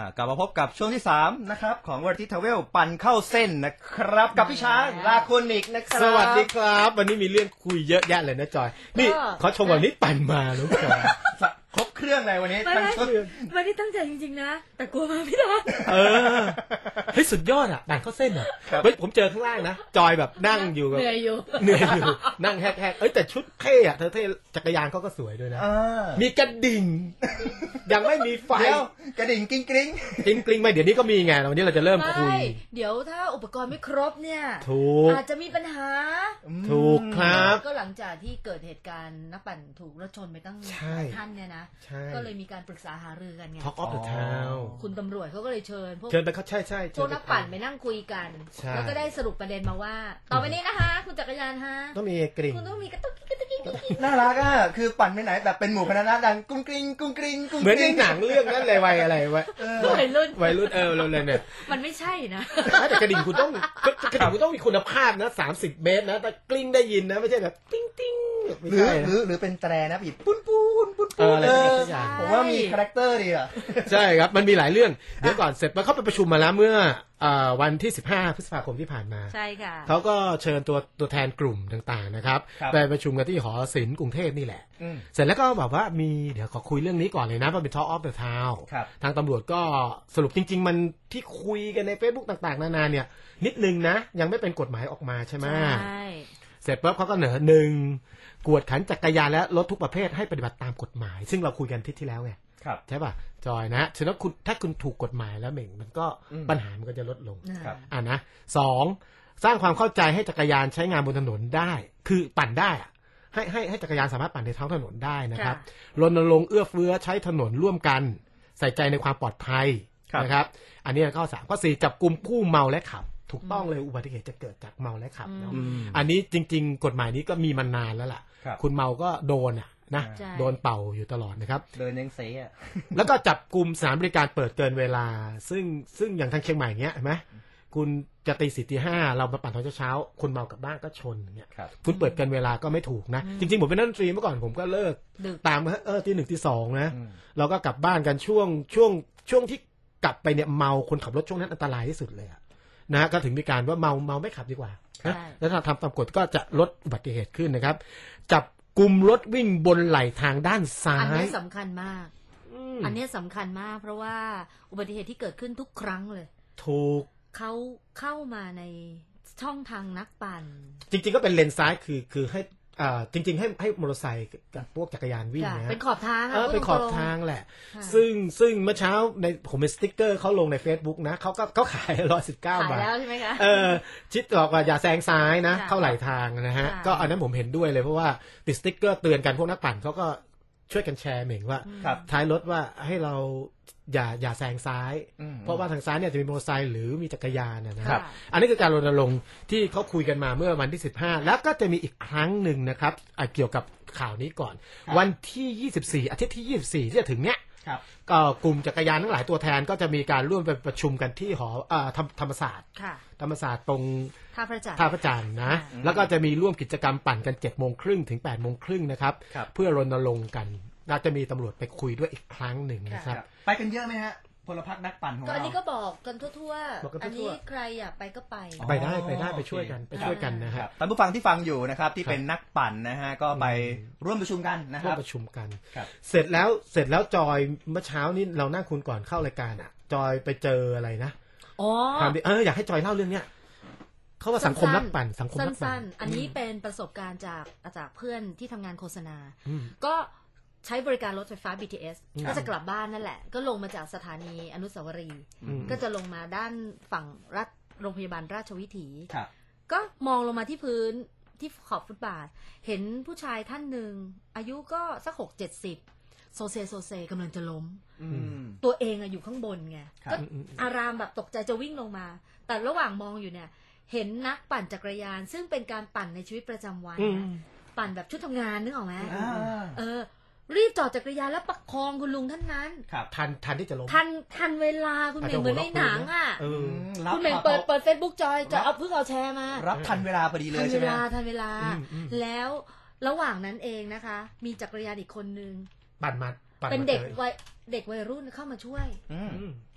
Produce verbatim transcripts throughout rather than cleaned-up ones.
กลับมาพบกับช่วงที่สามนะครับของวอร์ตี้ทาวเวลปั่นเข้าเส้นนะครับกับพี่ช้างลาโคนิกนะครับสวัสดีครับวันนี้มีเรื่องคุยเยอะแยะเลยนะจอยนี่เขาชมวันนี้ปั่นมาลูกจอยครบเครื่องเลยวันนี้ทั้งชุดวันนี้ตั้งใจจริงๆนะแต่กลัวมาไม่ได้เออเฮ้ยสุดยอดอ่ะปั่นเข้าเส้นอ่ะเฮ้ยผมเจอข้างล่างนะจอยแบบนั่งอยู่แบบเหนื่อยอยู่เหนื่อยอยู่นั่งแฮกๆเอ้ยแต่ชุดเท่อะเธอเท่จักรยานเขาก็สวยด้วยนะมีกระดิ่งยังไม่มีไฟกระดิ่งกริ๊งกริ๊งกริ๊งกริ๊งไม่เดี๋ยวนี้ก็มีไงวันนี้เราจะเริ่มคุยเดี๋ยวถ้าอุปกรณ์ไม่ครบเนี่ยถูกอาจจะมีปัญหาถูกครับก็หลังจากที่เกิดเหตุการณ์นักปั่นถูกรถชนไปตั้งท่านเนี่ยนะก็เลยมีการปรึกษาหารือกันไง Talk of the Town คุณตำรวจเขาก็เลยเชิญพวกเชิญไปเขาใช่ใช่พวกนักปั่นไปนั่งคุยกันแล้วก็ได้สรุปประเด็นมาว่าต่อไปนี้นะคะคุณจักรยานฮะต้องมีกริ่งคุณต้องมีกระตุกกระตุกกระตุกน่ารักอ่ะคือปั่นไปไหนแบบเป็นหมู่คณะดังกุ้งกริ๊งกุ้งกริ๊งกุ้งเหมือนในหนังเรื่องนั้นเลยวัยอะไรวัยวัยรุ่นวัยรุ่นเออเราเลยเนี่ยมันไม่ใช่นะแต่กระดิ่งคุณต้องกระดิ่งคุณต้องมีคุณภาพนะสามสิบเมตรนะแต่กลิ้งได้ยินนะไม่ใช่แบบติ้งติ้งหรือหรือหรือเป็นแตรนะบีบปุ้นปุ้นปุ้นปุ้นเออผมว่ามีคาแรคเตอร์ดีอ่ะใช่ครับมันมีหลายเรื่องเดี๋ยวก่อนเสร็จมาเข้าไปประชุมมาแล้วเมื่อวันที่สิบห้าพฤษภาคมที่ผ่านมาใช่ค่ะเขาก็เชิญตัวตัวแทนกลุ่มต่างๆนะครับไปประชุมกันที่หอศิลป์กรุงเทพนี่แหละเสร็จแล้วก็แบบว่ามีเดี๋ยวขอคุยเรื่องนี้ก่อนเลยนะว่าเป็น Talk of the Town ทางตำรวจก็สรุปจริงๆมันที่คุยกันใน Facebook ต่างๆนานาเนี่ยนิดนึงนะยังไม่เป็นกฎหมายออกมาใช่ไหมใช่เสร็จปุ๊บเขาก็เหนือหนึ่งกวดขันจักรยานและรถทุกประเภทให้ปฏิบัติตามกฎหมายซึ่งเราคุยกันที่ที่แล้วไงใช่ป่ะจอยนะฉะนั้นคุณถ้าคุณถูกกฎหมายแล้วเหม่งมันก็ปัญหามันก็จะลดลงอ่านะสองสร้างความเข้าใจให้จักรยานใช้งานบนถนนได้คือปั่นได้อะให้ให้ให้จักรยานสามารถปั่นในท้องถนนได้นะครับรณรงค์เอื้อเฟื้อใช้ถนนร่วมกันใส่ใจในความปลอดภัยนะครับอันนี้ข้อสามข้อสี่จับกุมผู้เมาและขับถูกต้องเลยอุบัติเหตุจะเกิดจากเมาและขับเนาะอันนี้จริงๆกฎหมายนี้ก็มีมานานแล้วล่ะคุณเมาก็โดนอ่ะนะโดนเป่าอยู่ตลอดนะครับเดินยังเซ่อ่ะแล้วก็จับกลุ่มสถานบริการเปิดเกินเวลาซึ่งซึ่งอย่างทางเชียงใหม่เงี้ยเห็นไหมคุณจะตีสี่ตีห้าเรามาปั่นตอนเช้าๆคุณเมากลับบ้านก็ชนเงี้ยคุณเปิดเกินเวลาก็ไม่ถูกนะจริงๆผมเป็นนักดนตรีเมื่อก่อนผมก็เลิกตามเออตีหนึ่งตีสองนะเราก็กลับบ้านกันช่วงช่วงช่วงที่กลับไปเนี่ยเมาคนขับรถช่วงนั้นอันตรายที่สุดเลยอะนะก็ถึงมีการว่าเมาเมาไม่ขับดีกว่านะแล้วถ้าทำตามกฎก็จะลดอุบัติเหตุขึ้นนะครับจับกลุ่มรถวิ่งบนไหลทางด้านซ้ายอันนี้สำคัญมากอันนี้สำคัญมากเพราะว่าอุบัติเหตุที่เกิดขึ้นทุกครั้งเลยถูกเขาเข้ามาในช่องทางนักปั่นจริงๆก็เป็นเลนซ้ายคือคือให้อ่าจริงๆให้ให้มอเตอร์ไซค์กับพวกจักรยานวิ่งนะเป็นขอบทางเออเป็นขอบทางแหละซึ่งซึ่งเมื่อเช้าในผมเป็นสติ๊กเกอร์เขาลงใน Facebook นะเขาก็เขาขายร้อยสิบเก้าบาทขายแล้วใช่ไหมคะเออชิดบอกว่าอย่าแซงซ้ายนะเข้าไหลทางนะฮะก็อันนั้นผมเห็นด้วยเลยเพราะว่าติดสติ๊กเกอร์เตือนกันพวกนักปั่นเขาก็ช่วยกันแชร์เหม่งว่าท้ายรถว่าให้เราอย่าอย่าแซงซ้ายเพราะว่าทางซ้ายเนี่ยจะมีมอเตอร์ไซค์หรือมีจักรยานนะครับอันนี้คือการรณรงค์ที่เขาคุยกันมาเมื่อวันที่สิบห้าแล้วก็จะมีอีกครั้งหนึ่งนะครับเกี่ยวกับข่าวนี้ก่อนวันที่ยี่สิบสี่อาทิตย์ที่ยี่สิบสี่ที่จะถึงเนี้ยก็กลุ่มจักรยานทั้งหลายตัวแทนก็จะมีการร่วมไปประชุมกันที่หอธรรมศาสตร์ธรรมศาสตร์ตรงท่าพระจันทร์ท่าพระจันทร์นะแล้วก็จะมีร่วมกิจกรรมปั่นกันเจ็ดโมงครึ่งถึงแปดโมงครึ่งนะครับเพื่อรณรงค์กันน่าจะมีตำรวจไปคุยด้วยอีกครั้งหนึ่งนะครับไปกันเยอะไหมฮะพลพรรคนักปั่นของเราก็อันนี้ก็บอกกันทั่วๆอันนี้ใครอยากไปก็ไปไปได้ไปได้ไปช่วยกันไปช่วยกันนะครับท่านผู้ฟังที่ฟังอยู่นะครับที่เป็นนักปั่นนะฮะก็ไปร่วมประชุมกันนะครับร่วมประชุมกันเสร็จแล้วเสร็จแล้วจอยเมื่อเช้านี้เรานั่งคุยก่อนเข้ารายการอ่ะจอยไปเจออะไรนะอ๋อเอออยากให้จอยเล่าเรื่องเนี้ยเขาว่าสังคมนักปั่นสังคมนักปั่นอันนี้เป็นประสบการณ์จากจากเพื่อนที่ทำงานโฆษณาก็ใช้บริการรถไฟฟ้า บี ที เอส ก็จะกลับบ้านนั่นแหละก็ลงมาจากสถานีอนุสาวรีย์ก็จะลงมาด้านฝั่งรัฐโรงพยาบาลราชวิถีก็มองลงมาที่พื้นที่ขอบฟุตบาทเห็นผู้ชายท่านหนึ่งอายุก็สักหกเจ็ดสิบโซเซโซเซกำลังจะล้มตัวเองอะอยู่ข้างบนไงก็อารามแบบตกใจจะวิ่งลงมาแต่ระหว่างมองอยู่เนี่ยเห็นนักปั่นจักรยานซึ่งเป็นการปั่นในชีวิตประจำวันปั่นแบบชุดทำงานนึกออกไหมเออรีบจอดจักรยานแล้วประคองคุณลุงท่านนั้นทันทันที่จะล้มทันทันเวลาคุณเหม่งเหมือนในหนังอ่ะคุณเหม่งเปิดเปิดเฟซบุ๊กจอยจะเอาเพิ่งเอาแชร์มารับทันเวลาพอดีเลยใช่ไหมทันเวลาทันเวลาแล้วระหว่างนั้นเองนะคะมีจักรยานอีกคนนึงปั่นมาเป็นเด็กวัยเด็กวัยรุ่นเข้ามาช่วย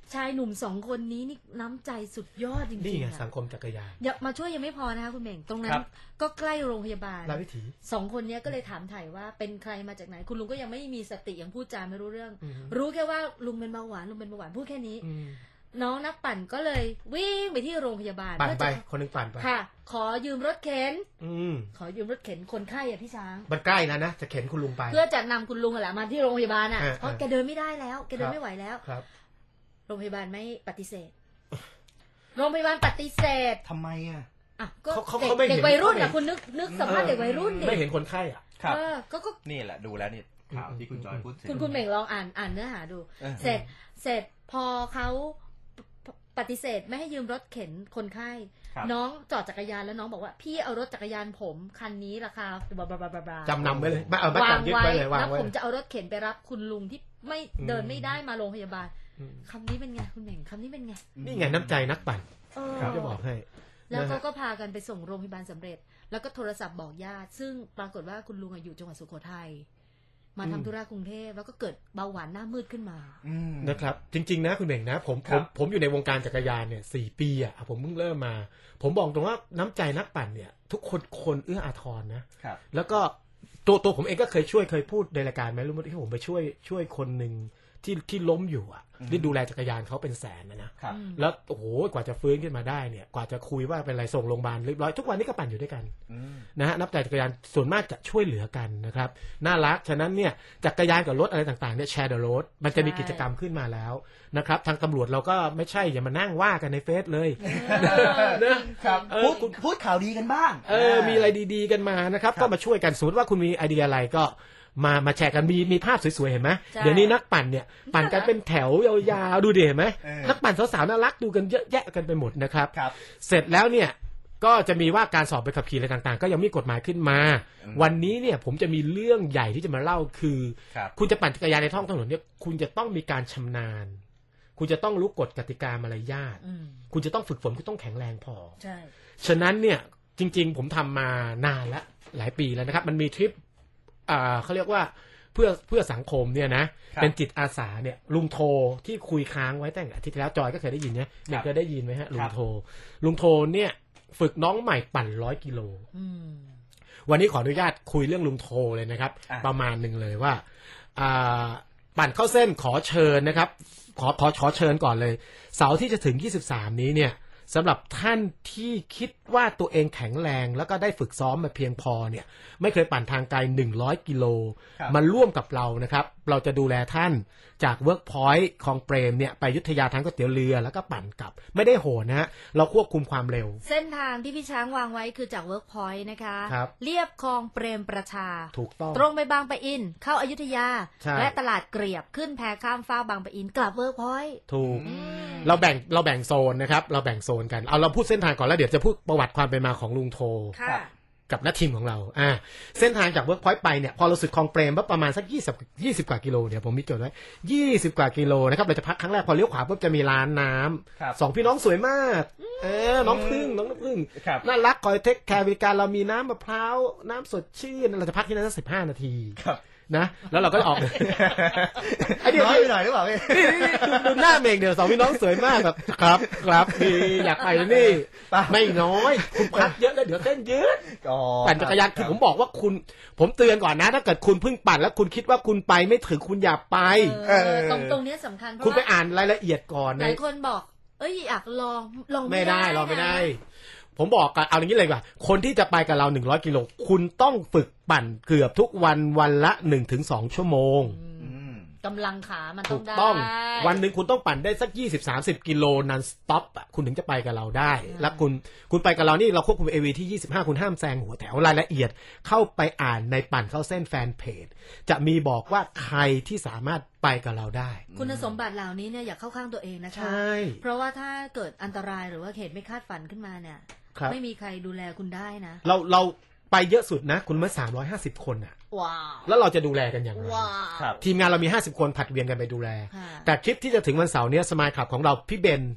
ชายหนุ่มสองคนนี้นี่น้ำใจสุดยอดจริงๆนี่ไงอะสังคมจักรยานอย่ามาช่วยยังไม่พอนะคะคุณเม่งตรงนั้ครันบก็ใกล้โรงพยาบาลราชวิถีสองคนเนี้ยก็เลยถามถ่ายว่าเป็นใครมาจากไหนคุณลุงก็ยังไม่มีสติยังพูดจาไม่รู้เรื่องอืมรู้แค่ว่าลุงเป็นเบาหวานลุงเป็นเบาหวานพูดแค่นี้อืมน้องนักปั่นก็เลยวิ่งไปที่โรงพยาบาลปั่นเพื่อไปจะคนหนึงปั่นไปค่ะ ขอยืมรถเข็นอืมขอยืมรถเข็นคนไข้อะพี่ช้างมันใกล้แล้วนะจะเข็นคุณลุงไปเพื่อจะนำคุณลุงอะแหละมาที่โรงพยาบาลอ่ะอ่าเพราะแกเดินไม่ได้แล้วแกเดิครันบไม่ไหวแล้วครับโรงพยาบาลไม่ปฏิเสธ โรงพยาบาลปฏิเสธทำไมอ่ะอ่ะก็เขาเขาเด็กเขาไม่เห็นเด็กวัยรุ่นเขาไม่อ่ะคุณนึกนึกสภาพเด็กวัยรุ่นดิไม่เห็นคนไข้อ่ะครับเออก็ก็นี่แหละดูแล้วนี่ข่าวที่คุณจอยพูดถึงคุณคุณเหม่งลองอ่านอ่านเนื้อหาดูเออเสร็จเสร็จพอเขาปปฏิเสธไม่ให้ยืมรถเข็นคนไข้ครับน้องจอดจักรยานแล้วน้องบอกว่าพี่เอารถจักรยานผมคันนี้ราคาบลาบลาบลาบลาจำนำไว้เลยไม่เอาไม่วางจำยึดไว้ไว้เลยวางแล้วไว้ผมจะเอารถเข็นไปรับคุณลุงที่ไม่อืมเดินไม่ได้มาโรงพยาบาลอืมคำนี้เป็นไงคุณเหม่งคำนี้เป็นไงนี่ไงน้ำใจนักปั่นเออผมจะบอกให้แล้วนะเขาฮะก็พากันไปส่งโรงพยาบาลสำเร็จ แล้วก็โทรศัพท์บอกญาติ ซึ่งปรากฏว่าคุณลุงอะอยู่จังหวัดสุโขทัยมาทำธุระกรุงเทพแล้วก็เกิดเบาหวานหน้ามืดขึ้นมาอืมนะครับจริงๆนะคุณเบ่งนะผมคผรัมบผมอยู่ในวงการจักรยานเนี่ยสี่ปีอ่ะผมเพิ่งเริ่มมา ผมบอกตรงว่าน้ำใจนักปั่นเนี่ย ทุกคนคนเอื้ออาทรนะครับ แล้วก็ตัวตัวผมเองก็เคยช่วยเคยพูดในรายการไหมรู้ไหมที่ผมไปช่วยช่วยคนหนึ่งที่ที่ล้มอยู่อ่ะอืมที่ดูแลจักรยานเขาเป็นแสนนะนะครับอืมแล้วโอ้โหกว่าจะฟื้นขึ้นมาได้เนี่ยกว่าจะคุยว่าเป็นไรส่งโรงพยาบาลเรียบร้อยทุกวันนี้ก็ปั่นอยู่ด้วยกันอืมนะฮะนับแต่จักรยานส่วนมากจะช่วยเหลือกันนะครับน่ารักฉะนั้นเนี่ยจักรยานกับรถอะไรต่างๆเนี่ยแชร์เดอะรถมันจะมีกิจกรรมขึ้นมาแล้วนะครับทางตำรวจเราก็ไม่ใช่อย่ามานั่งว่ากันในเฟซเลยครับเออพูดคุณพูดข่าวดีกันบ้างเออมีอะไรดีๆกันมานะครับครับก็มาช่วยกันสมมติว่าคุณมีไอเดียอะไรก็มามาแชร์กันมีมีภาพสวยๆเห็นไหมใช่เดี๋ยวนี้นักปั่นเนี่ยปั่นกันเป็นแถวยาวๆดูดิเห็นไหมเออนักปั่นสาวๆน่ารักดูกันเยอะแยะกันไปหมดนะครับครับเสร็จแล้วเนี่ยก็จะมีว่าการสอบใบขับขี่อะไรต่างๆ ก็ยังมีกฎหมายขึ้นมาอืมวันนี้เนี่ยผมจะมีเรื่องใหญ่ที่จะมาเล่าคือครับคุณจะปั่นจักรยานในท้องถนนเนี่ยคุณจะต้องมีการชำนาญ คุณจะต้องรู้กฎกติกามารยาทอืมคุณจะต้องฝึกฝนคุณต้องแข็งแรงพอใช่ฉะนั้นเนี่ยจริงๆผมทำมานานแล้วหลายปีแล้วนะครับ มันมีทริปอ่าเขาเรียกว่าเพื่อเพื่อสังคมเนี่ยนะครับ เป็นจิตอาสาเนี่ยลุงโทที่คุยค้างไว้ตั้งแต่อาทิตย์ที่แล้วจอยก็เคยได้ยินเนี่ยเด็กเคยได้ยินไหมฮะลุครังบโทลุงโทเนี่ยฝึกน้องใหม่ปั่นร้อยกิโลอืมวันนี้ขออนุญาตคุยเรื่องลุงโทเลยนะครับอ่ะประมาณหนึ่งเลยว่าอ่าปั่นเข้าเส้นขอเชิญนะครับ ขอขอขอเชิญก่อนเลย เสาร์ที่จะถึงยี่สิบสามนี้เนี่ยสำหรับท่านที่คิดว่าตัวเองแข็งแรง แล้วก็ได้ฝึกซ้อมมาเพียงพอเนี่ยไม่เคยปั่นทางไกลหนึ่งร้อยกิโลครับมาร่วมกับเรานะครับ เราจะดูแลท่านจากเวิร์กพอยต์คลองเปรมเนี่ยไปอยุธยาทางก๋วยเตี๋ยวเรือแล้วก็ปั่นกลับ ไม่ได้โหนนะฮะเราควบคุมความเร็วเส้นทางที่พี่ช้างวางไว้คือจากเวิร์กพอยต์นะคะครับเรียบคลองเปรมประชาถูกต้องตรงไปบางปะอิน เข้าอายุทยาใช่และตลาดเกลียบขึ้นแพข้ามฟ้ากบางปะอิน กลับเวิร์กพอยต์ถูกอืมเราแบ่งเราแบ่งโซนนะครับเราแบ่งโซนกันเอาเราพูดเส้นทางก่อนแล้วเดี๋ยวจะพูดประวัติความเป็นมาของลุงโทค่ะครับกับนักทีมของเราอ่าเส้นทางจากเวิร์กพอยต์ไปเนี่ยพอเราสุดคลองเปรมประมาณสักยี่สิบ ยี่สิบกว่ากิโลเดี๋ยวผมมีจดไว้ยี่สิบกว่ากิโลนะครับเราจะพักครั้งแรกพอเลี้ยวขวาปุ๊บจะมีร้านน้ำครับสองพี่น้องสวยมากเออน้องพึ่งน้องน้ำพึ่งครับน่ารักคอยเทคแคร์บริการเรามีน้ำมะพร้าวน้ำสดชื่นเราจะพักที่นั่นสักสิบห้านาทีครับนะแล้วเราก็ออก ไอเดียน้อยไปหน่อยหรือเปล่าพี่นี่นี่นี่ดูดูหน้าเมงเดี๋ยวสองพี่น้องสวยมากแบบครับครับดีอยากไปแล้วนี่ป่ะไม่น้อยคุณพักเยอะแล้วเดี๋ยวเต้นยืดอ๋อปั่นจักรยานคือผมบอกว่าคุณ ผมเตือนก่อนนะ ถ้าเกิดคุณเพิ่งปั่นแล้วคุณคิดว่าคุณไปไม่ถึงคุณอย่าไปเออตรงตรงเนี้ยสำคัญเพราะคุณไปว่าอ่านรายละเอียดก่อนหนะลายคนบอก เอ้ยอยากลองลองไม่ได้ลองไม่ได้นะผมบอกกันเอาอย่างนี้เลยว่า คนที่จะไปกับเราหนึ่งร้อยกิโลคุณต้องฝึกปั่นเกือบทุกวันวันละหนึ่งถึงสองชั่วโมงอืมกำลังขามันต้ถูองกได้ต้องวันหนึ่งคุณต้องปั่นได้สักยี่สิบสามสิบกิโลนันสต็อปอ่ะคุณถึงจะไปกับเราได้ แล้วคุณคุณไปกับเรานี่เราควบคุม เอ วี ที่ยี่สิบห้าคุณห้ามแซงหัวแถวรายละเอียด เข้าไปอ่านในปั่นเข้าเส้นแฟนเพจจะมีบอกว่าใครที่สามารถไปกับเราได้คุณสมบัติเหล่านี้เนี่ยอย่าเข้าข้างตัวเองนะคะใช่เพราะว่าถ้าเกิดอันตรายหรือว่าเหตุไม่คาดฝันขึ้นมาเนี่ยครับไม่มีใครดูแลคุณได้นะเราเราไปเยอะสุดนะ คุณเมื่อสามร้อยห้าสิบคนอ่ะว้าวแล้วเราจะดูแลกันอย่างไรว้าวครับทีมงานเรามีห้าสิบคนผัดเวียนกันไปดูแลค่ะแต่ทริปที่จะถึงวันเสาร์เนี้ยสมายขับของเราพี่เบน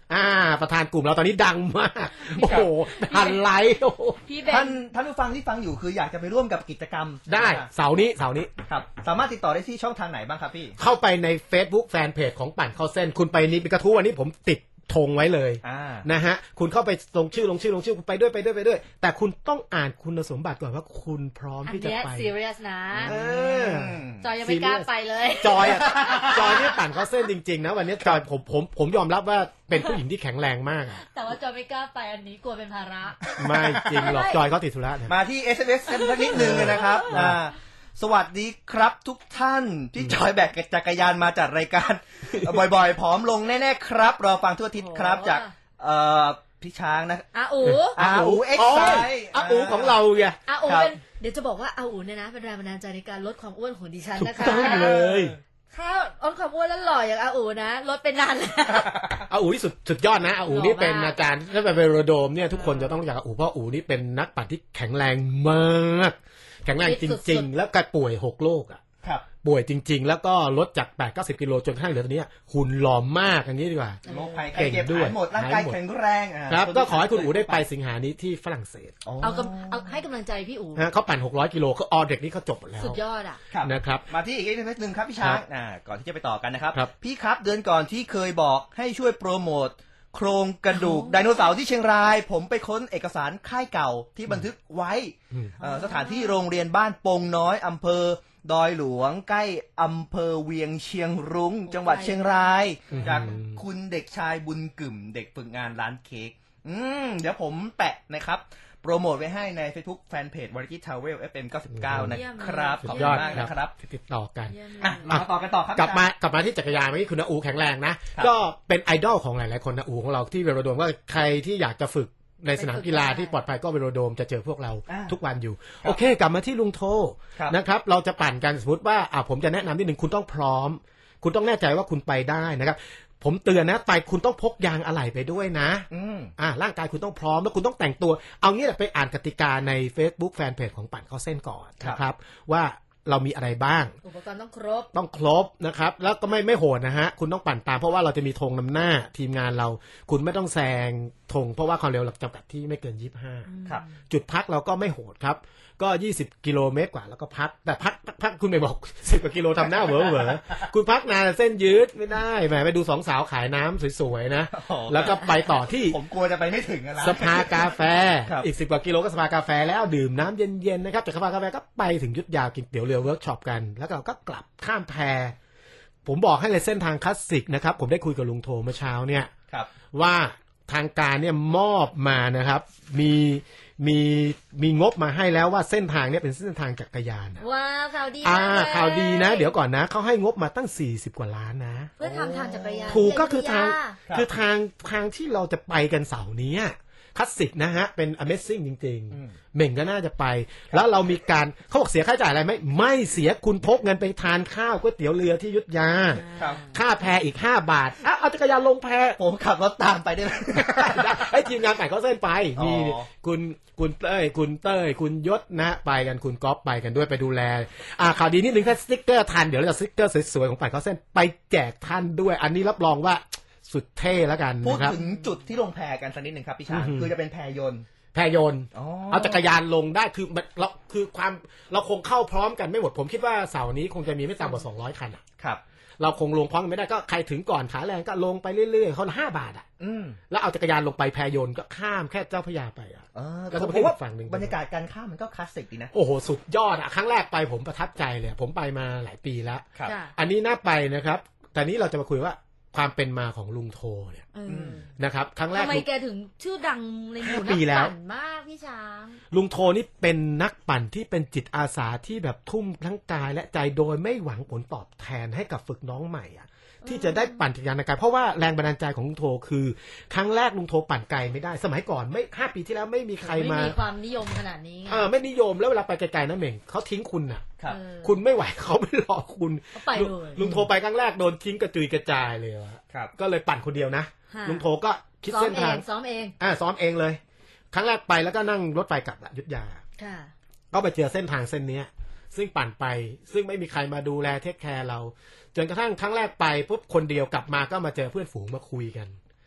อ่าประธานกลุ่มเราตอนนี้ดังมากโอ้โหพันไลค์ท่านท่านผู้ฟังที่ฟังอยู่คืออยากจะไปร่วมกับกิจกรรมได้เสาร์นี้เสาร์นี้ครับสามารถติดต่อได้ที่ช่องทางไหนบ้างครับพี่เข้าไปใน Facebook แฟนเพจของปั่นเข้าเส้นคุณไปนี่เป็นกระทู้วันนี้ผมติดธงไว้เลยนะฮะคุณเข้าไปลงชื่อลงชื่อลงชื่อคุณไปด้วยไปด้วยไปด้วยแต่คุณต้องอ่านคุณสมบัติก่อนว่าคุณพร้อมที่จะไปอันนี้ serious นะจอยยังไม่กล้าไปเลยจอยอะจอยนี่ปั่นเข้าเส้นจริงๆนะวันนี้จอยผมผมผมยอมรับว่าเป็นผู้หญิงที่แข็งแรงมากแต่ว่าจอยไม่กล้าไปอันนี้กลัวเป็นภาระไม่จริงหรอกจอยเขาติดธุระมาที่ เอส เอ็ม เอส กันสักนิดนึงนะครับสวัสดีครับทุกท่านที่จอยแบกจักรยานมาจัดรายการบ่อยๆผอมลงแน่ๆครับรอฟังทั่วอาทิตย์ครับจากเอ่อพี่ช้างนะอาอูอาอูเอ็กซ์ไซอาอูของเราไงอาอูเป็นเดี๋ยวจะบอกว่าอาอูเนี่ยนะเป็นแรงบันดาลใจในการลดความอ้วนของดิฉันนะคะถูกต้องเลยถ้าลดความอ้วนแล้วหล่ออย่างอาอูนะลดเป็นนานแล้วอาอูนี่สุดสุดยอดนะอาอูนี่เป็นอาจารย์ถ้าไปเวโรโดมเนี่ยทุกคนจะต้องรู้จักอาอูเพราะอาอูนี่เป็นนักปั่นที่แข็งแรงมากแข็งแรงจริงๆแล้วก็ป่วยหกโรคอ่ะป่วยจริงๆแล้วก็ลดจาก แปดถึงเก้าสิบ กิโลจนกระทั่งเหลือตอนนี้หุ่นหล่อมากอย่างนี้ดีกว่าโรคภัยไข้เจ็บหายหมดร่างกายแข็งแรงครับก็ขอให้คุณอู๋ได้ไปสิงหานี้ที่ฝรั่งเศสเอาเอาให้กำลังใจพี่อู๋เขาปั่นหกร้อยกิโลเขาออเด็กนี่เขาจบแล้วสุดยอดอ่ะนะครับมาที่อีกนิดนึงครับพี่ช้างก่อนที่จะไปต่อกันนะครับพี่ครับเดือนก่อนที่เคยบอกให้ช่วยโปรโมทโครงกระดูกไดโนเสาร์ที่เชียงรายผมไปค้นเอกสารค่ายเก่าที่บันทึกไว้สถานที่โรงเรียนบ้านปงน้อยอำเภอดอยหลวงใกล้อำเภอเวียงเชียงรุ้งจังหวัดเชียงรายจากคุณเด็กชายบุญกึ่มเด็กฝึกงานร้านเค้กอืมเดี๋ยวผมแปะนะครับโปรโมทไว้ให้ใน Facebook Fanpage Variety Travel เอฟ เอ็ม เก้าสิบเก้า นะครับขอบคุณมากนะครับติดต่อกันมาต่อกันต่อครับกลับมากลับมาที่จักรยานเมื่อกี้คุณอาอูแข็งแรงนะก็เป็นไอดอลของหลายๆคนอาอูของเราที่เวโรโดมว่าใครที่อยากจะฝึกในสนามกีฬาที่ปลอดภัยก็เวโรโดมจะเจอพวกเราทุกวันอยู่โอเคกลับมาที่ลุงโทนะครับเราจะปั่นกันสมมติว่าอ่าผมจะแนะนำนิดหนึ่งคุณต้องพร้อมคุณต้องแน่ใจว่าคุณไปได้นะครับผมเตือนนะไปคุณต้องพกยางอะไหล่ไปด้วยนะอ่าร่างกายคุณต้องพร้อมแล้วคุณต้องแต่งตัวเอางี้แหละไปอ่านกติกาใน Facebook Fanpage ของปั่นเข้าเส้นก่อนนะครับว่าเรามีอะไรบ้างอุปกรณ์ต้องครบต้องครบนะครับแล้วก็ไม่ไม่โหดนะฮะคุณต้องปั่นตามเพราะว่าเราจะมีธงนำหน้าทีมงานเราคุณไม่ต้องแซงธงเพราะว่าความเร็วเราจำกัดที่ไม่เกินยี่สิบห้าครับจุดพักเราก็ไม่โหดครับก็ยี่สิบกิโลเมตรกว่าแล้วก็พักแต่พักพักคุณไม่บอกสิบกว่ากิโลทำหน้าเหวอเหวอคุณพักนานเส้นยืดไม่ได้แหมไปดูสองสาวขายน้ำสวยๆนะแล้วก็ไปต่อที่ผมกลัวจะไปไม่ถึงนะสภากาแฟอีกสิบกว่ากิโลก็สภากาแฟแล้วดื่มน้ำเย็นๆนะครับจากสภากาแฟก็ไปถึงยุทธยากินเตี๋ยวเรือเวิร์กช็อปกันแล้วเราก็กลับข้ามแพผมบอกให้เลยเส้นทางคลาสสิกนะครับผมได้คุยกับลุงโทเมื่อเช้าเนี่ยว่าทางการเนี่ยมอบมานะครับมีมีมีงบมาให้แล้วว่าเส้นทางเนี่ยเป็นเส้นทางจักรยานว้าวข่าวดีอ่าข่าวดีนะเดี๋ยวก่อนนะเขาให้งบมาตั้งสี่สิบกว่าล้านนะเพื่อทำทางจักรยานถูกก็คือทางคือทางทางที่เราจะไปกันเสาร์นี้คลาสสิกนะฮะเป็น Amazing จริงๆเหม่งก็น่าจะไปแล้วเรามีการเขาบอกเสียค่าใช้จ่ายอะไรไหมไม่เสียคุณพกเงินไปทานข้าวก๋วยเตี๋ยวเรือที่ยุทธยาค่าแพอีกห้าบาทอ่ะเอาจักรยานลงแพผมขับรถตามไปได้ไหมไอ้ทีมงานไก่เขาเส้นไปมีคุณคุณเต้ยคุณเต้ยคุณยศนะไปกันคุณก๊อฟไปกันด้วยไปดูแลอ่าข่าวดีนิดนึงถ้าสติ๊กเกอร์ทันเดี๋ยวเราจะสติ๊กเกอร์สวยๆของไก่เขาเส้นไปแจกท่านด้วยอันนี้รับรองว่าสุดเท่แล้วกันพูดถึงจุดที่ลงแพกันสักนิดหนึ่งครับพี่ช้างคือจะเป็นแพยนต์แพยนต์เอาจักรยานลงได้คือเราคือความเราคงเข้าพร้อมกันไม่หมดผมคิดว่าเสาร์นี้คงจะมีไม่ต่ำกว่าสองร้อยคันอ่ะครับเราคงลงพร้อมกันไม่ได้ก็ใครถึงก่อนขาแรงก็ลงไปเรื่อยๆเขาห้าบาทอ่ะแล้วเอาจักรยานลงไปแพยนต์ก็ข้ามแค่เจ้าพระยาไปอ่ะแล้วก็ผมว่าบรรยากาศการข้ามมันก็คลาสสิกดีนะโอ้โหสุดยอดอ่ะครั้งแรกไปผมประทับใจเลยผมไปมาหลายปีแล้วอันนี้น่าไปนะครับแต่นี้เราจะมาคุยว่าความเป็นมาของลุงโทเนี่ยนะครับครั้งแรกทำไมแกถึงชื่อดังในหมู่นักปั่นมากพี่ช้างลุงโทนี่เป็นนักปั่นที่เป็นจิตอาสาที่แบบทุ่มทั้งกายและใจโดยไม่หวังผลตอบแทนให้กับฝึกน้องใหม่อ่ะที่จะได้ปั่นจักรยานในกายเพราะว่าแรงบันดาลใจของลุงโทคือครั้งแรกลุงโทปั่นไกลไม่ได้สมัยก่อนไม่ห้าปีที่แล้วไม่มีใครมาไม่มีความนิยมขนาดนี้เออไม่นิยมแล้วเวลาไปไกลๆนะเหม่งเขาทิ้งคุณอ่ะคุณไม่ไหวเขาไม่รอคุณลุงโทไปครั้งแรกโดนทิ้งกระจุยกระจายเลยวะก็เลยปั่นคนเดียวนะลุงโทก็คิดเส้นทางซ้อมเองอ่าซ้อมเองเลยครั้งแรกไปแล้วก็นั่งรถไฟกลับยุทธยาก็ไปเจอเส้นทางเส้นนี้ซึ่งปั่นไปซึ่งไม่มีใครมาดูแลเทคแคร์เราจนกระทั่งครั้งแรกไปปุ๊บคนเดียวกลับมาก็มาเจอเพื่อนฝูงมาคุยกัน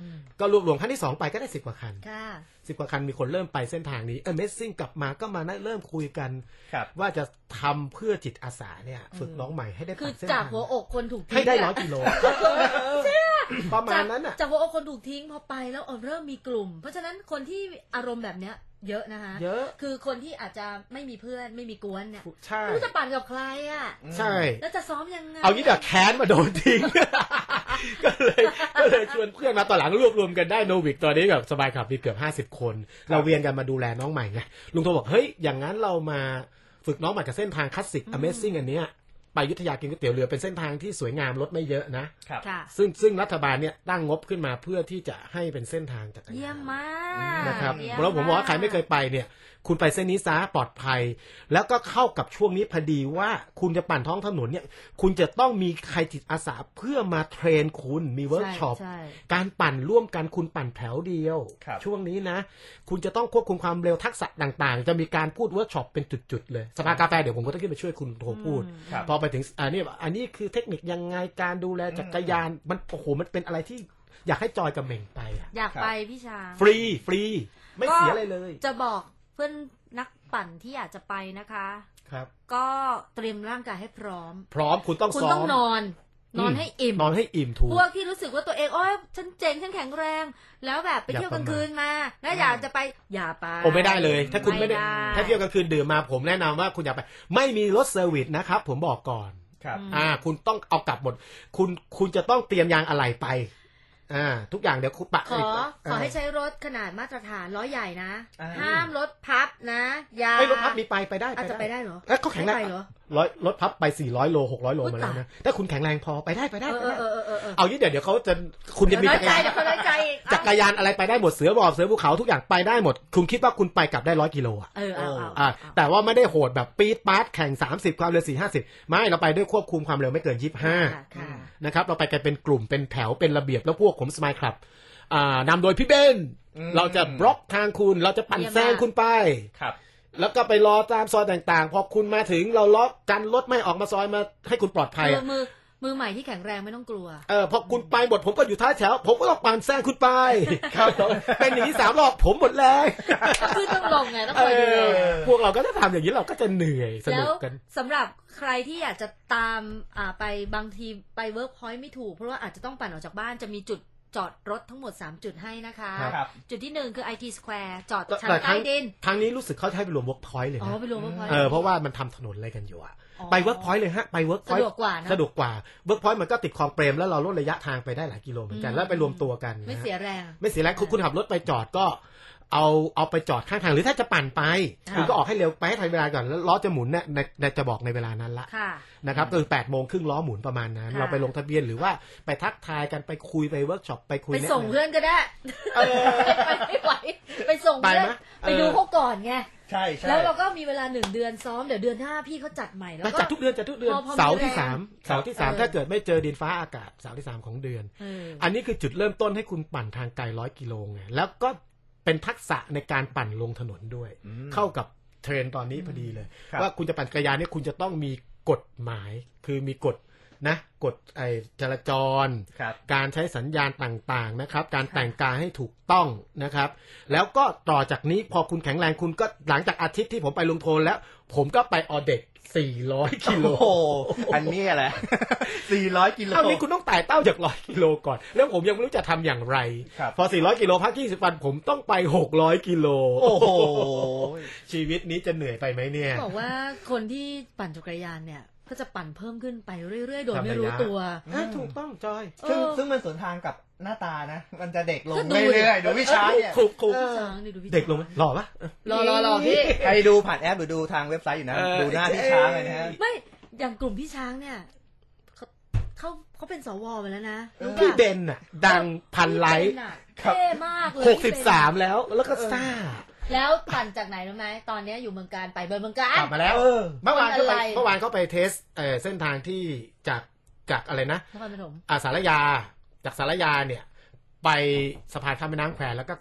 ก็รวบรวมครั้งที่สองไปก็ได้สิบกว่าคันค่ะสิบกว่าคันมีคนเริ่มไปเส้นทางนี้เออเมสซิ่งกลับมาก็มาเริ่มคุยกันว่าจะทำเพื่อจิตอาสาเนี่ยฝึกน้องใหม่ให้ได้คือปั่นเส้นจากทางหัวอกคนถูกทิ้งให้ได้ร้อยกิโลประมาณนั้นอ่ะจากหัวอกคนถูกทิ้งพอไปแล้วเริ่มมีกลุ่ม เพราะฉะนั้นคนที่อารมณ์แบบเนี้ยเยอะนะคะเยอะคือคนที่อาจจะไม่มีเพื่อนไม่มีกวนเนี่ยใช่ไม่รู้จะปั่นกับใครอ่ะใช่แล้วจะซ้อมยังไงเอางี้เดี๋ยวแค้นมาโดนทิ้งก็เลยก็เลยชวนเพื่อนมาตอนหลังรวบรวมกันได้โนวิกตอนนี้แบบสบายขับมีเกือบห้าสิบคนเราเวียนกันมาดูแลน้องใหม่ไงลุงโทบอกเฮ้ยอย่างนั้นเรามาฝึกน้องใหม่กับเส้นทางคลาสสิก Amazing อันเนี้ยไปอยุธยากินก๋วยเตี๋ยวเรือเป็นเส้นทางที่สวยงามรถไม่เยอะนะครับซึ่งซึ่งรัฐบาลเนี่ยตั้งงบขึ้นมาเพื่อที่จะให้เป็นเส้นทางจักรยานเยี่ยมมากนะครับแล้วผมบอกว่าใครไม่เคยไปเนี่ยคุณไปเส้นนี้ซะปลอดภัยแล้วก็เข้ากับช่วงนี้พอดีว่าคุณจะปั่นท้องถนนเนี่ยคุณจะต้องมีใครจิตอาสาเพื่อมาเทรนคุณมีเวิร์กช็อปการปั่นร่วมกันคุณปั่นแถวเดียวช่วงนี้นะคุณจะต้องควบคุมความเร็วทักษะต่างๆจะมีการพูดเวิร์กช็อปเป็นจุดๆเลยสภากาแฟเดี๋ยวผมก็ต้องขึ้นไปช่วยคุณโทรพูดพอไปถึงอันนี้อันนี้คือเทคนิคยังไงการดูแลจักรยานมันโอ้โหมันเป็นอะไรที่อยากให้จอยกับเหม่งไปอ่ะอยากไปพี่ช้างฟรีฟรีไม่เสียอะไรเลยจะบอกเพื่อนนักปั่นที่อยากจะไปนะคะครับก็เตรียมร่างกายให้พร้อมพร้อมคุณต้องคุณต้องนอนนอนให้อิ่มนอนให้อิ่มถูกพวกที่รู้สึกว่าตัวเองโอ๊ยฉันเจ๋งฉันแข็งแรงแล้วแบบไปเที่ยวกลางคืนมาแล้วอยากจะไปอย่าไปโอ้ไม่ได้เลยถ้าคุณไม่ได้ถ้าเที่ยวกลางคืนดื่มมาผมแนะนำว่าคุณอย่าไปไม่มีรถเซอร์วิสนะครับผมบอกก่อนครับอ่าคุณต้องเอากลับหมดคุณคุณจะต้องเตรียมยางอะไหล่ไปอ่าทุกอย่างเดี๋ยวคุณปะขอขอให้ใช้รถขนาดมาตรฐานล้อใหญ่นะห้ามรถพับนะยาไอ้รถพับมีไปไปได้อาจจะไปได้เหรอเอ้ยเขาแข็งแรงร้อยรถพับไปสี่ร้อยโลหกร้อยโลมาแล้วนะถ้าคุณแข็งแรงพอไปได้ไปได้เออเออเออเอายี่เดี๋ยวเดี๋ยวเขาจะคุณจะมีจักรยานจักรยานอะไรไปได้หมดเสือบอกเสือภูเขาทุกอย่างไปได้หมดคุณคิดว่าคุณไปกลับได้ร้อยกิโลอ่ะเออเอาอ่าแต่ว่าไม่ได้โหดแบบปี๊ดป๊าดแข่งสามสิบความเร็วสี่ห้าสิบไม่เราไปด้วยควบคุมความเร็วไม่เกินยี่สิบห้านะครับเราไปกันเป็นกลุ่มเป็นแถวเป็นระเบียบแล้วพวกผมสมายคลับนำโดยพี่เบนเราจะบล็อกทางคุณเราจะปั่นแซงคุณไปครับแล้วก็ไปรอตามซอยต่างๆพอคุณมาถึงเราล็อกกันรถไม่ออกมาซอยมาให้คุณปลอดภัยมือมือใหม่ที่แข็งแรงไม่ต้องกลัวเออพอคุณไปหมดผมก็อยู่ท้ายแถวผมก็ต้องปั่นแซงคุณไปครับเป็นอย่างนี้สามรอบผมหมดแรงคือต้องลงไงต้องคอยดูพวกเราก็จะทำอย่างนี้เราก็จะเหนื่อยสนุกกันสำหรับใครที่อยากจะตามอ่าไปบางทีไปเวิร์กพอยต์ไม่ถูกเพราะว่าอาจจะต้องปั่นออกจากบ้านจะมีจุดจอดรถทั้งหมดสามจุดให้นะคะจุดที่หนึ่งคือ ไอ ที Square จอดชั้นใต้ดินทางนี้รู้สึกเขาให้ไปรวม Workpoint เลยนะอ๋อไปรวม Workpoint เออเพราะว่ามันทำถนนอะไรกันอยู่อะไป Workpoint เลยฮะไป Workpoint สะดวกกว่านะสะดวกกว่า Workpoint มันก็ติดคลองเปรมแล้วเราลดระยะทางไปได้หลายกิโลเหมือนกันแล้วไปรวมตัวกันไม่เสียแรงไม่เสียแรงคุณขับรถไปจอดก็เอาเอาไปจอดข้างทางหรือถ้าจะปั่นไปคุณก็ออกให้เร็วไปให้ทันเวลาก่อนแล้วล้อจะหมุนเนี่ยในจะบอกในเวลานั้นละนะครับคือแปดโมงครึ่งล้อหมุนประมาณนั้นเราไปลงทะเบียนหรือว่าไปทักทายกันไปคุยไปเวิร์กช็อปไปคุยไปส่งเพื่อนก็ได้ไปไม่ไหวไปส่งเพื่อนไปดูเขาก่อนไงใช่ใช่แล้วเราก็มีเวลาหนึ่งเดือนซ้อมเดี๋ยวเดือนหน้าพี่เขาจัดใหม่แล้วก็จัดทุกเดือนจัดทุกเดือนเสาร์ที่สามเสาร์ที่สามถ้าเกิดไม่เจอดินฟ้าอากาศเสาร์ที่สามของเดือนอันนี้คือจุดเริ่มต้นให้คุณปั่นทางไกลร้อยกิโลไงแล้วก็เป็นทักษะในการปั่นลงถนนด้วยเข้ากับเทรนตอนนี้พอดีเลยว่าคุณจะปั่นจักรยานเนี่ยคุณจะต้องมีกฎหมายคือมีกฎนะกฎไอ้จราจรการใช้สัญญาณต่างๆนะครับการแต่งกายให้ถูกต้องนะครับแล้วก็ต่อจากนี้พอคุณแข็งแรงคุณก็หลังจากอาทิตย์ที่ผมไปลงโทนแล้วผมก็ไปออเด็กสี่ร้อยกิโลโอ้อันนี้แหละสี่ร้อยกิโลคราวนี้คุณต้องไต่เต้าจากหนึ่งร้อยกิโลก่อนแล้วผมยังไม่รู้จะทำอย่างไรพอสี่ร้อยกิโลพักยี่สิบวันผมต้องไปหกร้อยกิโลโอ้โหชีวิตนี้จะเหนื่อยไปไหมเนี่ยบอกว่าคนที่ปั่นจักรยานเนี่ยก็จะปั่นเพิ่มขึ้นไปเรื่อยๆโดยไม่รู้ตัวถูกต้องจอยซึ่งซึ่งมันสวนทางกับหน้าตานะมันจะเด็กลงเรื่อยๆดูพี่ช้างเนี่ยเด็กลงไหมหล่อปะหล่อหล่อหล่อพี่ใครดูผ่านแอปหรือดูทางเว็บไซต์อยู่นะดูหน้าพี่ช้างเลยนะฮะไม่อย่างกลุ่มพี่ช้างเนี่ยเขาเขาเป็นสวไปแล้วนะพี่เบนน่ะดังพันไลค์เท่มากเลยหกสิบสามแล้วแล้วก็ซ่าแล้วปั่นจากไหนรู้ไหมตอนนี้อยู่เมืองการไปเบอร์เมืองการกลับมาแล้วเมื่อวานก็ไปเมื่อวานเขาไปเทสเส้นทางที่จากจากอะไรนะนครปฐมอ่าสารยาจากสารยาเนี่ยไปสะพานข้ามแม่น้ำแควแล้วก็กลับ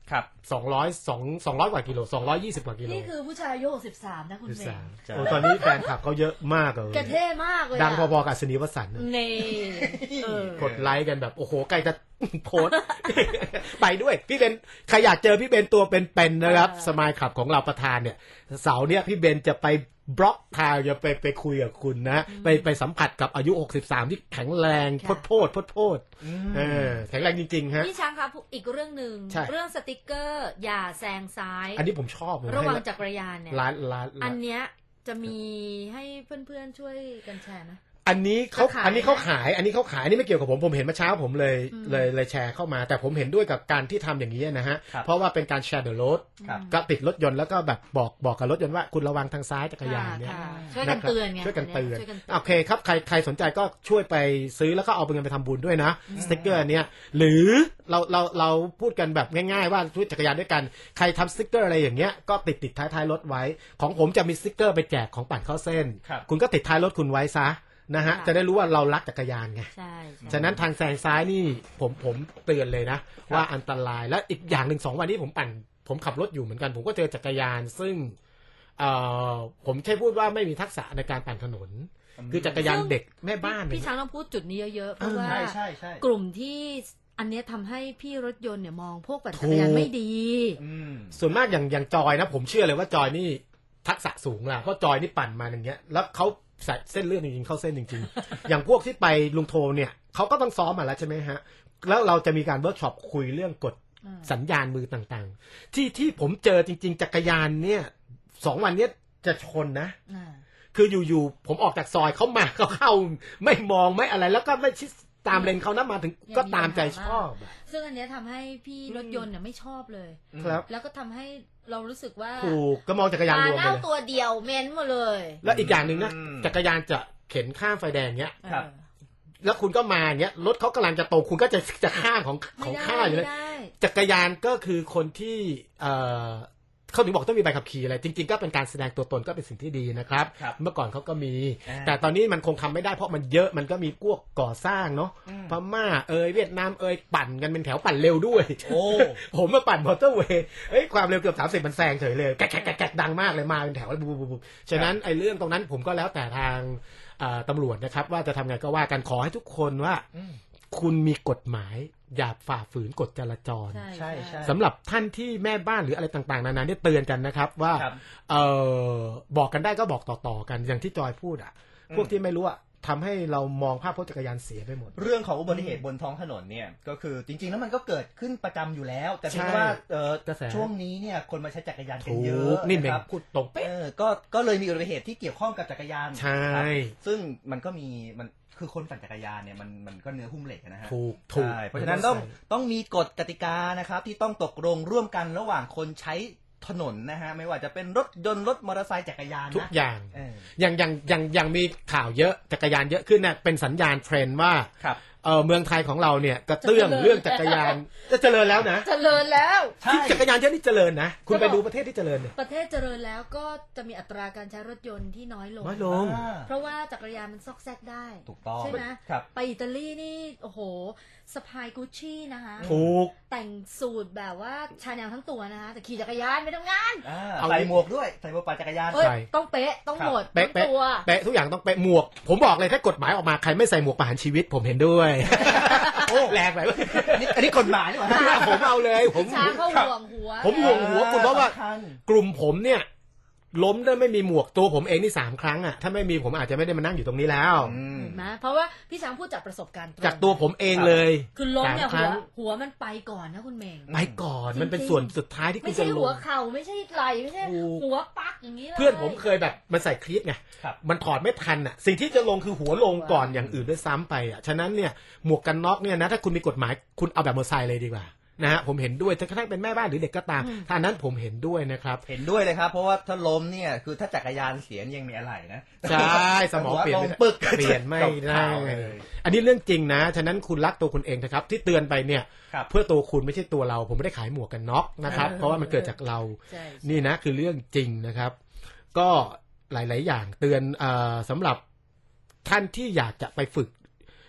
ครับสองร้อยสองสองร้อยกว่ากิโลสองร้อยยี่สิบกว่ากิโลนี่คือผู้ชายอายุหกสิบสามนะคุณเมย์โอ้ตอนนี้แฟนคลับเขาเยอะมากเลยกระเท่มากเลยดังพอๆกับสนีวสันต์นี่กดไลค์กันแบบโอ้โหใกล้จะโพสไปด้วยพี่เบนใครอยากเจอพี่เบนตัวเป็นๆนะครับสมายคลับของเราประธานเนี่ยเสาร์เนี้ยพี่เบนจะไปบล็อกทางจะไปไปคุยกับคุณนะไปไปสัมผัสกับอายุหกสิบสามที่แข็งแรงโพดโพดโพดโพดเออแข็งแรงจริงๆฮะพี่ช้างครับอีกเรื่องนึงเรื่องสติกเกอร์อย่าแซงซ้ายอันนี้ผมชอบระหว่างจักรยานเนี่ยร้านร้านอันเนี้ยจะมีให้เพื่อนๆช่วยกันแชร์นะอันนี้เขาอันนี้เขาขายอันนี้เขาขายอันนี้ไม่เกี่ยวกับผมผมเห็นเมื่อเช้าผมเลยเลยเลยแชร์เข้ามาแต่ผมเห็นด้วยกับการที่ทำอย่างนี้นะฮะเพราะว่าเป็นการแชร์เดอะรถก็ติดรถยนต์แล้วก็แบบบอกบอกกับรถยนต์ว่าคุณระวังทางซ้ายจักรยานเนี่ยช่วยกันเตือนไงช่วยกันเตือนโอเคครับใครใครสนใจก็ช่วยไปซื้อแล้วก็เอาเงินไปทำบุญด้วยนะสติ๊กเกอร์เนี้ยหรือเราเราเราพูดกันแบบง่ายๆว่าช่วยจักรยานด้วยกันใครทำสติ๊กเกอร์อะไรอย่างเงี้ยก็ติดติดท้ายท้ายรถไว้ของผมจะมีสติ๊กเกอร์ไปแจกของปั่นเข้าเส้นคุณก็ติดท้ายรถคุณไว้ซะนะฮะจะได้รู้ว่าเรารักจักรยานไงใช่ฉะนั้นทางแซงซ้ายนี่ผมผมเตือนเลยนะว่าอันตรายและอีกอย่างหนึ่งสองวันนี้ผมปั่นผมขับรถอยู่เหมือนกันผมก็เจอจักรยานซึ่งเอ่อผมแค่พูดว่าไม่มีทักษะในการปั่นถนนคือจักรยานเด็กแม่บ้านพี่ช้างต้องพูดจุดนี้เยอะๆเพราะว่ากลุ่มที่อันนี้ทำให้พี่รถยนต์เนี่ยมองพวกปั่นจักรยานไม่ดีส่วนมากอย่างอย่างจอยนะผมเชื่อเลยว่าจอยนี่ทักษะสูงอะเพราะจอยนี่ปั่นมาอย่างเงี้ยแล้วเขาใส่เส้นเลือดจริงๆเข้าเส้นจริงๆ อย่างพวกที่ไปลุงโทเนี่ยเขาก็ต้องซ้อมมาแล้วใช่ไหมฮะแล้วเราจะมีการเวิร์กช็อปคุยเรื่องกฎสัญญาณมือต่างๆที่ที่ผมเจอจริงๆจักรยานเนี่ยสองวันนี้จะชนนะคืออยู่ๆผมออกจากซอยเขามาเขาเข้าไม่มองไม่อะไรแล้วก็ไม่ชิดตามเลนเขานะมาถึงก็ตามใจชอบซึ่งอันนี้ทำให้พี่รถยนต์เนี่ยไม่ชอบเลยครับแล้วก็ทำให้เรารู้สึกว่าถูกก็มองจักรยานรวมไปเลยตัวเดียวเม้นหมดเลยแล้วอีกอย่างหนึ่งนะจักรยานจะเข็นข้ามไฟแดงเนี้ยแล้วคุณก็มาเนี้ยรถเขากำลังจะตรงคุณก็จะจะข้ามของของข้าอยู่เลยจักรยานก็คือคนที่เอ่อเขาถึงบอกต้องมีใบขับขี่อะไรจริงๆก็เป็นการแสดงตัวตนก็เป็นสิ่งที่ดีนะครับเมื่อก่อนเขาก็มีแต่ตอนนี้มันคงทำไม่ได้เพราะมันเยอะมันก็มีพวกก่อสร้างเนาะพม่าเอยเวียดนามเอยปั่นกันเป็นแถวปั่นเร็วด้วยโอ้ผมมาปั่นมอเตอร์เวย์เฮ้ยความเร็วเกือบสามสิบมันแซงเฉยเลยแกะแกะแกะดังมากเลยมาเป็นแถวบูบูบูฉะนั้นไอ้เรื่องตรงนั้นผมก็แล้วแต่ทางตำรวจนะครับว่าจะทำไงก็ว่ากันขอให้ทุกคนว่าคุณมีกฎหมายอย่าฝ่าฝืนกฎจราจรใช่ใช่สำหรับท่านที่แม่บ้านหรืออะไรต่างๆนานาเนี่ยเตือนกันนะครับว่าเออบอกกันได้ก็บอกต่อๆกันอย่างที่จอยพูดอ่ะพวกที่ไม่รู้อ่ะทำให้เรามองภาพพจน์จักรยานเสียไปหมดเรื่องของอุบัติเหตุบนท้องถนนเนี่ยก็คือจริงๆแล้วมันก็เกิดขึ้นประจำอยู่แล้วแต่เพียงว่าเออช่วงนี้เนี่ยคนมาใช้จักรยานกันเยอะนี่เป็นพูดตรงเป๊ะก็ก็เลยมีอุบัติเหตุที่เกี่ยวข้องกับจักรยานใช่ซึ่งมันก็มีมันคือคนปั่นจักรยานเนี่ยมันมันก็เนื้อหุ้มเหล็กนะฮะถูกถูกเพราะฉะนั้นต้องต้องมีกฎกติกานะครับที่ต้องตกลงร่วมกันระหว่างคนใช้ถนนนะฮะไม่ว่าจะเป็นรถยนต์รถมอเตอร์ไซค์จักรยานทุกอย่างอย่างอย่างอย่างอย่างมีข่าวเยอะจักรยานเยอะขึ้นเนี่ยเป็นสัญญาณเทรนด์ว่าเออเมืองไทยของเราเนี่ยกระเตื้องเรื่องจักรยานจะเจริญแล้วนะเจริญแล้วที่จักรยานเยอะนี่เจริญนะคุณไปดูประเทศที่เจริญเนี่ยประเทศเจริญแล้วก็จะมีอัตราการใช้รถยนต์ที่น้อยลงน้อยลงเพราะว่าจักรยานมันซอกแซกได้ถูกต้องใช่ไหมไปอิตาลีนี่โอ้โหสะพายกุชชี่นะคะถูกแต่งสูทแบบว่าชาแนลทั้งตัวนะคะแต่ขี่จักรยานไปทำงานใส่หมวกด้วยใส่หมวกปั่นจักรยานต้องเป๊ะต้องหมดเป๊ะตัวเป๊ะทุกอย่างต้องเป๊ะหมวกผมบอกเลยถ้ากฎหมายออกมาใครไม่ใส่หมวกประหารชีวิตผมเห็นด้วยโอ้แรงไปอันนี้กฎหมายหรือเปล่าผมเอาเลยผมช้างเขาห่วงหัวผมห่วงหัวคุณเพราะว่ากลุ่มผมเนี่ยล้มได้ไม่มีหมวกตัวผมเองนี่สามครั้งอ่ะถ้าไม่มีผมอาจจะไม่ได้มานั่งอยู่ตรงนี้แล้วนะเพราะว่าพี่ช้างพูดจากประสบการณ์จากตัวผมเองเลยคือล้มเนี่ยหัวหัวมันไปก่อนนะคุณเมงไปก่อนมันเป็นส่วนสุดท้ายที่คุณจะลงไม่ใช่หัวเข่าไม่ใช่ไหล่ไม่ใช่หัวปักอย่างนี้เลยเพื่อนผมเคยแบบมันใส่คลีปไงมันถอดไม่ทันอ่ะสิ่งที่จะลงคือหัวลงก่อนอย่างอื่นด้วยซ้ำไปอ่ะฉะนั้นเนี่ยหมวกกันน็อกเนี่ยนะถ้าคุณมีกฎหมายคุณเอาแบบมอเตอร์ไซค์เลยดีกว่านะฮะผมเห็นด้วยจะกระทั่งเป็นแม่บ้านหรือเด็กก็ตามท่านั้นผมเห็นด้วยนะครับเห็นด้วยเลยครับเพราะว่าถ้าล้มเนี่ยคือถ้าจักรยานเสียยังมีอะไรนะใช่สมองเปลี่ยนปึกเปลี่ยนไม่ได้อันนี้เรื่องจริงนะฉะนั้นคุณรักตัวคุณเองนะครับที่เตือนไปเนี่ยเพื่อตัวคุณไม่ใช่ตัวเราผมไม่ได้ขายหมวกกันน็อกนะครับเพราะว่ามันเกิดจากเรานี่นะคือเรื่องจริงนะครับก็หลายๆอย่างเตือนสำหรับท่านที่อยากจะไปฝึก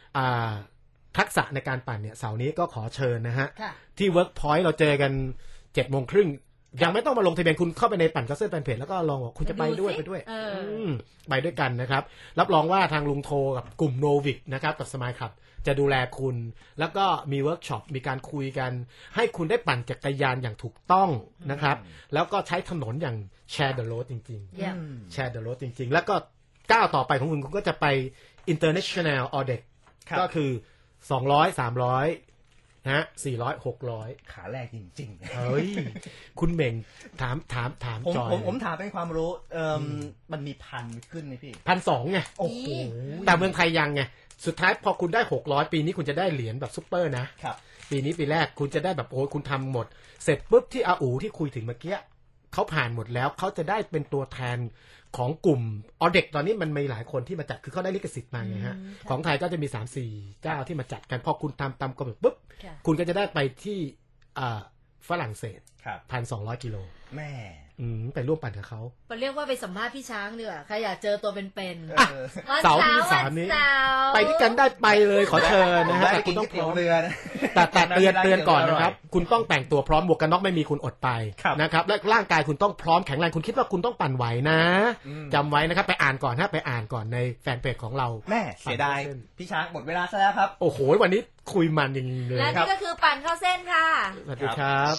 ทักษะในการปั่นเนี่ยเสาร์นี้ก็ขอเชิญนะฮะที่ Workpoint เราเจอกันเจ็ดโมงครึ่งยังไม่ต้องมาลงทะเบียนคุณเข้าไปในปั่นคัสเซิลแฟนเพจแล้วก็ลองบอกคุณจะไปด้วยไปด้วยไปด้วยกันนะครับรับรองว่าทางลุงโทกับกลุ่มโนวิกนะครับกับสมายครับจะดูแลคุณแล้วก็มีเวิร์กช็อปมีการคุยกันให้คุณได้ปั่นจักรยานอย่างถูกต้องนะครับแล้วก็ใช้ถนนอย่างแชร์เดอะโรดจริงๆแชร์เดอะโรดจริงๆแล้วก็ก้าวต่อไปของคุณคุณก็จะไป international audit ก็คือสองร้อย สามร้อยนะฮะสี่ร้อย หกร้อยขาแรกจริงๆเฮ้ยคุณเหม่งถามถามถามจอยผมผมถามเป็นความรู้เอ่อมันมีพันขึ้นไหมพี่หนึ่งพันสองร้อย ไงโอ้โหแต่เมืองไทยยังไงสุดท้ายพอคุณได้หกร้อยปีนี้คุณจะได้เหรียญแบบซุปเปอร์นะครับปีนี้ปีแรกคุณจะได้แบบโอ้ยคุณทำหมดเสร็จปุ๊บที่อาอูที่คุยถึงเมื่อกี้เขาผ่านหมดแล้วเขาจะได้เป็นตัวแทนของกลุ่มออเด็กตอนนี้มันมีหลายคนที่มาจัดคือเขาได้ลิขสิทธิ์มาไงฮะของไทยก็จะมี สามสี่ เจ้าที่มาจัดกันพอคุณทำตามกำหนดปุ๊บคุณก็จะได้ไปที่ฝรั่งเศส หนึ่งพันสองร้อย กิโลแม่ไปร่วมปั่นกับเขาไปเรียกว่าไปสัมภาษณ์พี่ช้างดีกว่าใครอยากเจอตัวเป็นๆเสาร์ที่สามนี้ไปที่กันได้ไปเลยขอเชิญนะฮะแต่คุณต้องพร้อมแต่แต่เตือนเตือนก่อนนะครับคุณต้องแต่งตัวพร้อมหมวกกันน็อกไม่มีคุณอดไปนะครับและร่างกายคุณต้องพร้อมแข็งแรงคุณคิดว่าคุณต้องปั่นไหวนะจำไว้นะครับไปอ่านก่อนนะไปอ่านก่อนในแฟนเพจของเราแม่เสียดายพี่ช้างหมดเวลาซะแล้วครับโอ้โหวันนี้คุยมันจริงๆเลยและนี่ก็คือปั่นเข้าเส้นค่ะสวัสดีครับ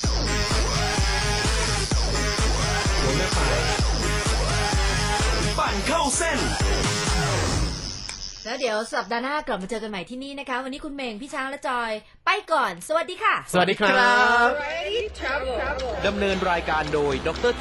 ปั่นเข้าเส้นแล้วเดี๋ยวสัปดาห์หน้ากลับมาเจอกันใหม่ที่นี่นะคะวันนี้คุณเมงพี่ช้างและจอยไปก่อนสวัสดีค่ะสวัสดีครับดำเนินรายการโดยดร